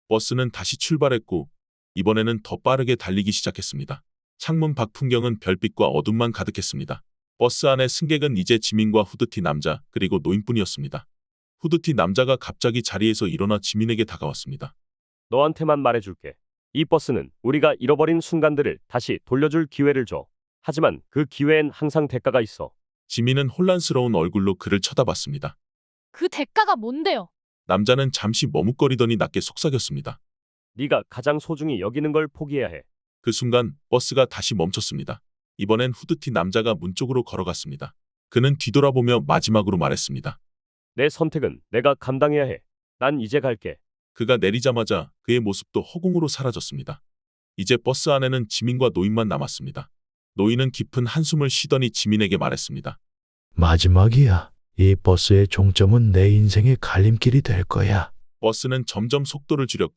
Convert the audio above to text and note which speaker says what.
Speaker 1: 버스는 다시 출발했고 이번에는 더 빠르게 달리기 시작했습니다. 창문 밖 풍경은 별빛과 어둠만 가득했습니다. 버스 안의 승객은 이제 지민과 후드티 남자 그리고 노인뿐이었습니다. 후드티 남자가 갑자기 자리에서 일어나 지민에게 다가왔습니다.
Speaker 2: 너한테만 말해줄게. 이 버스는 우리가 잃어버린 순간들을 다시 돌려줄 기회를 줘. 하지만 그 기회엔 항상 대가가 있어.
Speaker 1: 지민은 혼란스러운 얼굴로 그를 쳐다봤습니다.
Speaker 3: 그 대가가 뭔데요?
Speaker 1: 남자는 잠시 머뭇거리더니 낮게 속삭였습니다.
Speaker 2: 네가 가장 소중히 여기는 걸 포기해야 해.
Speaker 1: 그 순간 버스가 다시 멈췄습니다. 이번엔 후드티 남자가 문 쪽으로 걸어갔습니다. 그는 뒤돌아보며 마지막으로 말했습니다.
Speaker 2: 내 선택은 내가 감당해야 해. 난 이제 갈게.
Speaker 1: 그가 내리자마자 그의 모습도 허공으로 사라졌습니다. 이제 버스 안에는 지민과 노인만 남았습니다. 노인은 깊은 한숨을 쉬더니 지민에게 말했습니다.
Speaker 4: 마지막이야. 이 버스의 종점은 내 인생의 갈림길이 될 거야.
Speaker 1: 버스는 점점 속도를 줄였고